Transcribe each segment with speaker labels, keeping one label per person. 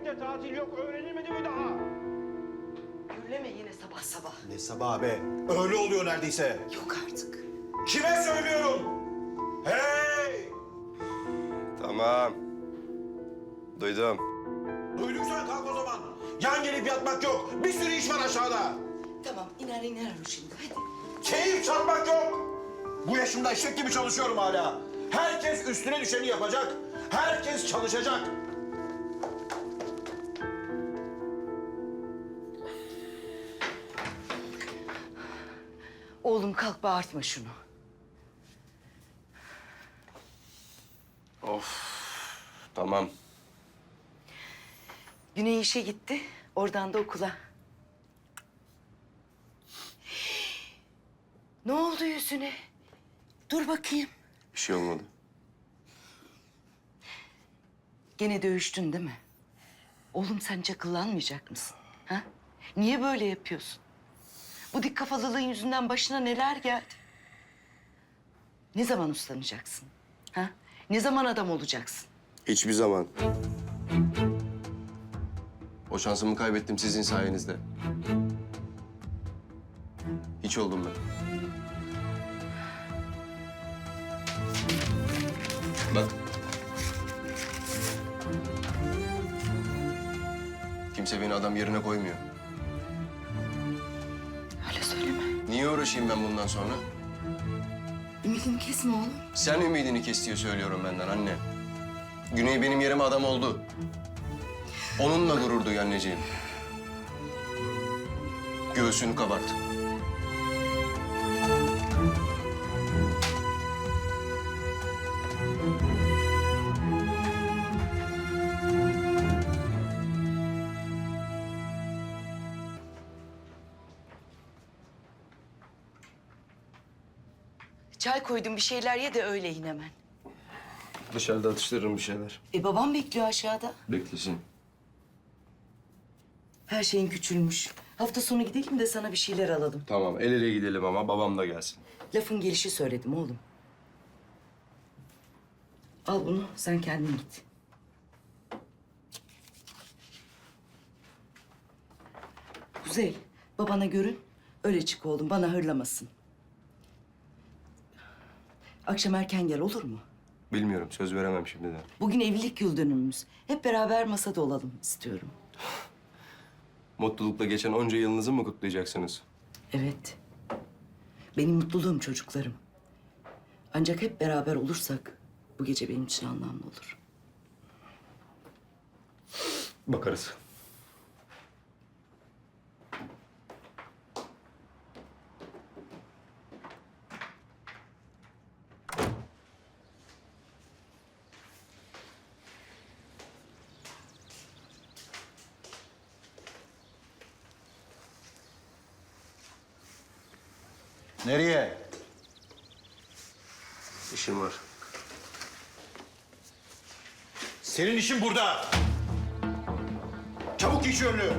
Speaker 1: Devlette tatil yok, öğrenilmedi mi daha?
Speaker 2: Gürleme yine sabah sabah.
Speaker 3: Ne sabah be? Öyle oluyor neredeyse.
Speaker 2: Yok artık.
Speaker 3: Kime söylüyorum? Hey!
Speaker 4: Tamam. Duydum.
Speaker 3: Duyduysan kalk o zaman. Yan gelip yatmak yok. Bir sürü iş var aşağıda.
Speaker 2: Tamam iner o şimdi hadi.
Speaker 3: Keyif çarpmak yok. Bu yaşımda eşek gibi çalışıyorum hala. Herkes üstüne düşeni yapacak. Herkes çalışacak.
Speaker 2: Oğlum kalk bağırtma şunu.
Speaker 4: Tamam.
Speaker 2: Güney işe gitti. Oradan da okula. Ne oldu yüzüne? Dur bakayım.
Speaker 4: Bir şey olmadı.
Speaker 2: Gene dövüştün değil mi? Oğlum sen çakıllanmayacak mısın? Ha? Niye böyle yapıyorsun? Bu dik kafalılığın yüzünden başına neler geldi? Ne zaman uslanacaksın? Ha? Ne zaman adam olacaksın?
Speaker 4: Hiçbir zaman. O şansımı kaybettim sizin sayenizde. Hiç oldum ben. Bak. Kimse beni adam yerine koymuyor.
Speaker 2: Öyle söyleme.
Speaker 4: Niye uğraşayım ben bundan sonra?
Speaker 2: Ümidini kesme oğlum.
Speaker 4: Sen ümidini kes diye söylüyorum benden anne. Güney benim yerime adam oldu. Onunla gurur duy anneciğim. Göğsünü kabart.
Speaker 2: Çay koydum bir şeyler ye de öyle in hemen.
Speaker 4: Dışarıda atıştırırım bir şeyler.
Speaker 2: Babam bekliyor aşağıda.
Speaker 4: Beklesin.
Speaker 2: Her şeyin küçülmüş. Hafta sonu gidelim de sana bir şeyler alalım.
Speaker 4: Tamam, el ele gidelim ama babam da gelsin.
Speaker 2: Lafın gelişi söyledim oğlum. Al bunu sen kendin git. Kuzey, babana görün. Öyle çık oğlum, bana hırlamasın. Akşam erken gel olur mu?
Speaker 4: Bilmiyorum, söz veremem şimdiden.
Speaker 2: Bugün evlilik yıl dönümümüz. Hep beraber masada olalım istiyorum.
Speaker 4: Mutlulukla geçen onca yılınızı mı kutlayacaksınız?
Speaker 2: Evet. Benim mutluluğum çocuklarım. Ancak hep beraber olursak bu gece benim için anlamlı olur.
Speaker 4: Bakarız.
Speaker 3: Nereye?
Speaker 4: İşim var.
Speaker 3: Senin işin burada. Çabuk giy şu önlüğü.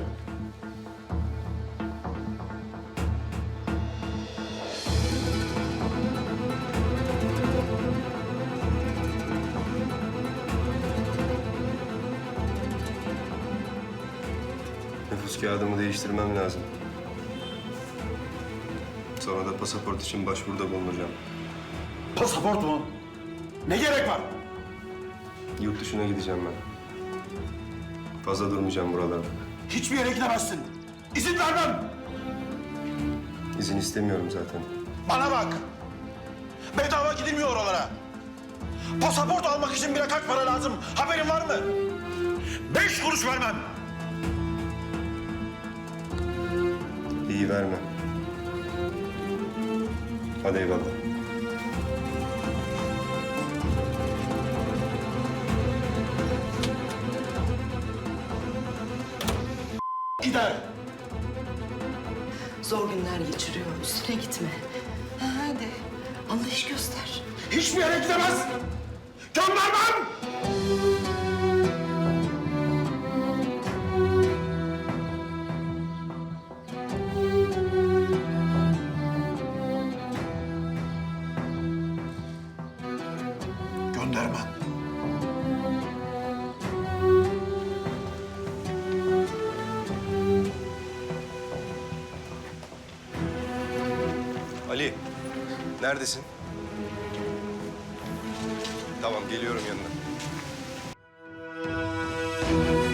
Speaker 4: Nüfus kağıdımı değiştirmem lazım. Sonra da pasaport için başvuruda bulunacağım.
Speaker 3: Pasaport mu? Ne gerek var?
Speaker 4: Yurt dışına gideceğim ben. Fazla durmayacağım buralarda.
Speaker 3: Hiçbir yere gidemezsin. İzin vermem.
Speaker 4: İzin istemiyorum zaten.
Speaker 3: Bana bak. Bedava gidilmiyor oralara. Pasaport almak için bile kaç para lazım? Haberin var mı? 5 kuruş vermem.
Speaker 4: İyi verme. Hadi eyvallah.
Speaker 3: Gider.
Speaker 2: Zor günler geçiriyor. Üstüne gitme. Ha, hadi. Anlayış göster.
Speaker 3: Hiçbir yere gidemez. Göndermem. Göndermem.
Speaker 5: Ali, neredesin? Tamam, geliyorum yanına.